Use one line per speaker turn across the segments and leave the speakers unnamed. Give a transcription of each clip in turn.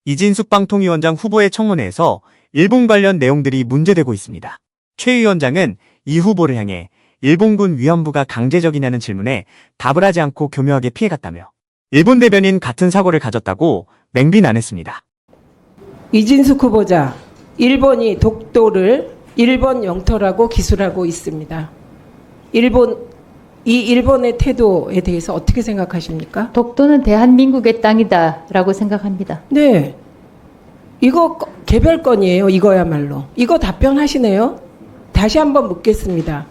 이진숙 방통위원장 후보의 청문회에서 일본 관련 내용들이 문제되고 있습니다. 최 위원장은 이 후보를 향해 일본군 위안부가 강제적이냐는 질문에 답을 하지 않고 교묘하게 피해갔다며 일본 대변인 같은 사고를 가졌다고 맹비난했습니다.
이진숙 후보자, 일본이 독도를 일본 영토라고 기술하고 있습니다. 일본의 태도에 대해서 어떻게 생각하십니까?
독도는 대한민국의 땅이다라고 생각합니다.
네. 이거 개별건이에요. 이거야말로. 이거 답변하시네요. 다시 한번 묻겠습니다.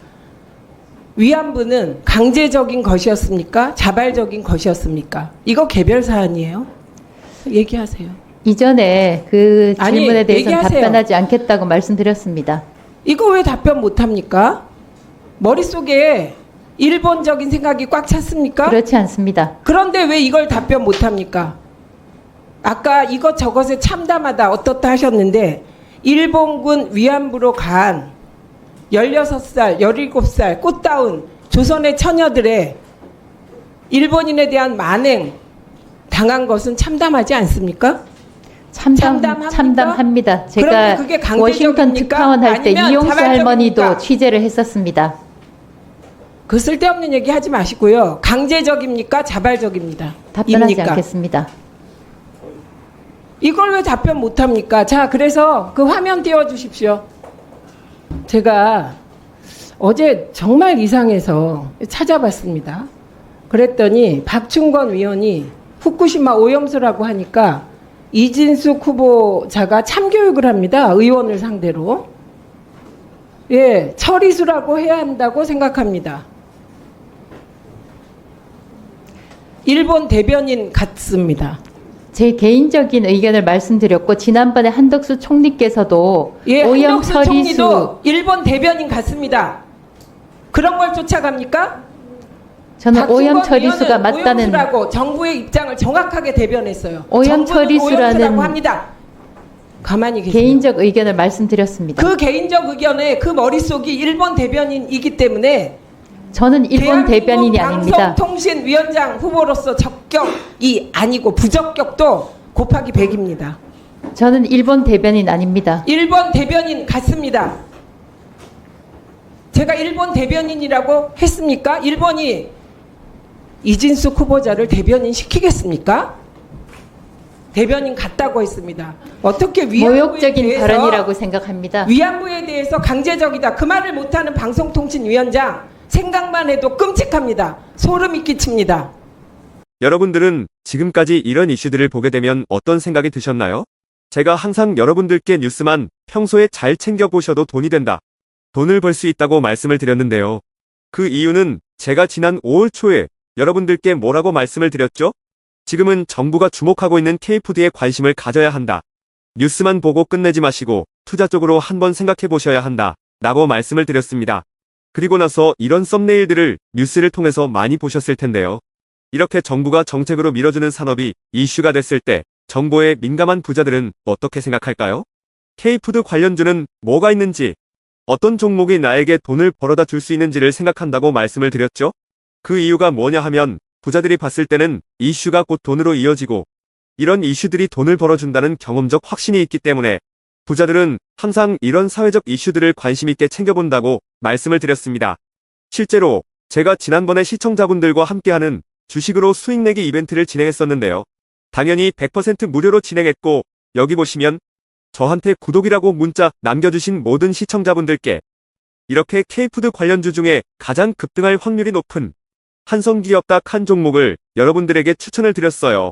위안부는 강제적인 것이었습니까? 자발적인 것이었습니까? 이거 개별 사안이에요. 얘기하세요.
이전에 그 질문에 대해서
얘기하세요.
답변하지 않겠다고 말씀드렸습니다.
이거 왜 답변 못합니까? 머릿속에 일본적인 생각이 꽉 찼습니까?
그렇지 않습니다.
그런데 왜 이걸 답변 못합니까? 아까 이것저것에 참담하다 어떻다 하셨는데 일본군 위안부로 간 16살, 17살 꽃다운 조선의 처녀들의 일본인에 대한 만행 당한 것은 참담하지 않습니까?
참담합니다. 제가
그게 강제적입니까?
워싱턴 특파원 할 때
아니면
이용수 할머니도
자발적입니까?
취재를 했었습니다.
그 쓸데없는 얘기 하지 마시고요. 강제적입니까? 자발적입니다.
답변하지
입니까?
않겠습니다.
이걸 왜 답변 못합니까? 자, 그래서 그 화면 띄워주십시오. 제가 어제 정말 이상해서 찾아봤습니다. 그랬더니 박충건 위원이 후쿠시마 오염수라고 하니까 이진숙 후보자가 참교육을 합니다. 의원을 상대로. 예, 처리수라고 해야 한다고 생각합니다. 일본 대변인 같습니다.
제 개인적인 의견을 말씀드렸고 지난번에 한덕수 총리께서도
예,
오염
한덕수
처리수
총리도 일본 대변인 같습니다. 그런 걸 쫓아갑니까?
저는 오염
박충건
처리수가
의원은
맞다는
오염수라고 정부의 입장을 정확하게 대변했어요.
오염
정부는
처리수라는
오염수라고 합니다. 가만히 계세요.
개인적 의견을 말씀드렸습니다.
그 개인적 의견에 그 머릿속이 일본 대변인이기 때문에
저는 일본 대변인이 아닙니다.
방송통신위원장 후보로서 적격이 아니고 부적격도 곱하기 100입니다.
저는 일본 대변인 아닙니다.
일본 대변인 같습니다. 제가 일본 대변인이라고 했습니까? 일본이 이진숙 후보자를 대변인 시키겠습니까? 대변인 같다고 했습니다. 어떻게 위안부에
모욕적인
대해서
발언이라고 생각합니다.
위안부에 대해서 강제적이다 그 말을 못하는 방송통신위원장 생각만 해도 끔찍합니다. 소름이 끼칩니다.
여러분들은 지금까지 이런 이슈들을 보게 되면 어떤 생각이 드셨나요? 제가 항상 여러분들께 뉴스만 평소에 잘 챙겨보셔도 돈이 된다. 돈을 벌 수 있다고 말씀을 드렸는데요. 그 이유는 제가 지난 5월 초에 여러분들께 뭐라고 말씀을 드렸죠? 지금은 정부가 주목하고 있는 K푸드에 관심을 가져야 한다. 뉴스만 보고 끝내지 마시고 투자 쪽으로 한번 생각해 보셔야 한다. 라고 말씀을 드렸습니다. 그리고 나서 이런 썸네일들을 뉴스를 통해서 많이 보셨을 텐데요. 이렇게 정부가 정책으로 밀어주는 산업이 이슈가 됐을 때 정보에 민감한 부자들은 어떻게 생각할까요? K푸드 관련주는 뭐가 있는지, 어떤 종목이 나에게 돈을 벌어다 줄 수 있는지를 생각한다고 말씀을 드렸죠? 그 이유가 뭐냐 하면 부자들이 봤을 때는 이슈가 곧 돈으로 이어지고 이런 이슈들이 돈을 벌어준다는 경험적 확신이 있기 때문에 부자들은 항상 이런 사회적 이슈들을 관심 있게 챙겨본다고 말씀을 드렸습니다. 실제로 제가 지난번에 시청자분들과 함께하는 주식으로 수익 내기 이벤트를 진행했었는데요. 당연히 100% 무료로 진행했고 여기 보시면 저한테 구독이라고 문자 남겨주신 모든 시청자분들께 이렇게 K푸드 관련주 중에 가장 급등할 확률이 높은 한성기업 딱 한 종목을 여러분들에게 추천을 드렸어요.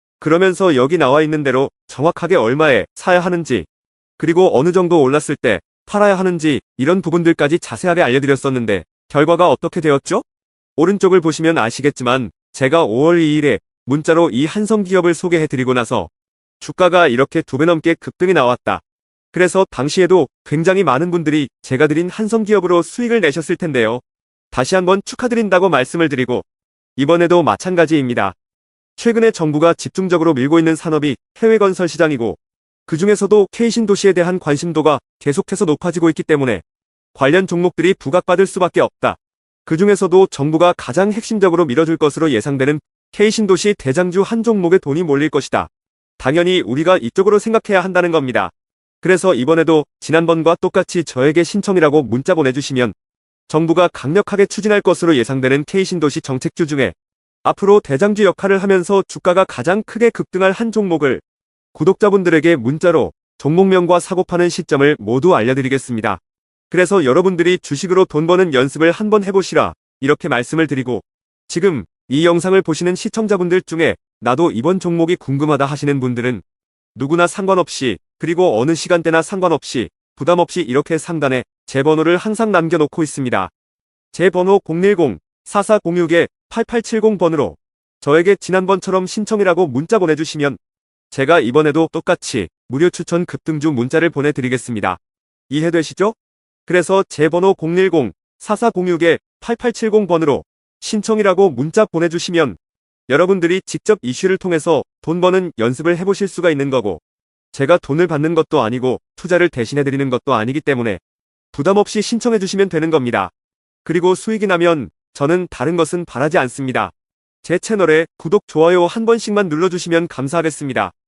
그러면서 여기 나와 있는 대로 정확하게 얼마에 사야 하는지 그리고 어느 정도 올랐을 때 팔아야 하는지 이런 부분들까지 자세하게 알려드렸었는데 결과가 어떻게 되었죠? 오른쪽을 보시면 아시겠지만 제가 5월 2일에 문자로 이 한성기업을 소개해드리고 나서 주가가 이렇게 2배 넘게 급등이 나왔다. 그래서 당시에도 굉장히 많은 분들이 제가 드린 한성기업으로 수익을 내셨을 텐데요. 다시 한번 축하드린다고 말씀을 드리고 이번에도 마찬가지입니다. 최근에 정부가 집중적으로 밀고 있는 산업이 해외 건설 시장이고 그 중에서도 K신도시에 대한 관심도가 계속해서 높아지고 있기 때문에 관련 종목들이 부각받을 수밖에 없다. 그 중에서도 정부가 가장 핵심적으로 밀어줄 것으로 예상되는 K신도시 대장주 한 종목에 돈이 몰릴 것이다. 당연히 우리가 이쪽으로 생각해야 한다는 겁니다. 그래서 이번에도 지난번과 똑같이 저에게 신청이라고 문자 보내주시면 정부가 강력하게 추진할 것으로 예상되는 K신도시 정책주 중에 앞으로 대장주 역할을 하면서 주가가 가장 크게 급등할 한 종목을 구독자분들에게 문자로 종목명과 사고 파는 시점을 모두 알려드리겠습니다. 그래서 여러분들이 주식으로 돈 버는 연습을 한번 해보시라 이렇게 말씀을 드리고, 지금 이 영상을 보시는 시청자분들 중에 나도 이번 종목이 궁금하다 하시는 분들은 누구나 상관없이, 그리고 어느 시간대나 상관없이 부담없이 이렇게 상단에 제 번호를 항상 남겨놓고 있습니다. 제 번호 010-4406-8870번으로 저에게 지난번처럼 신청이라고 문자 보내주시면 제가 이번에도 똑같이 무료 추천 급등주 문자를 보내드리겠습니다. 이해되시죠? 그래서 제 번호 010-4406-8870번으로 신청이라고 문자 보내주시면 여러분들이 직접 이슈를 통해서 돈 버는 연습을 해보실 수가 있는 거고, 제가 돈을 받는 것도 아니고 투자를 대신해드리는 것도 아니기 때문에 부담없이 신청해주시면 되는 겁니다. 그리고 수익이 나면 저는 다른 것은 바라지 않습니다. 제 채널에 구독, 좋아요 한 번씩만 눌러주시면 감사하겠습니다.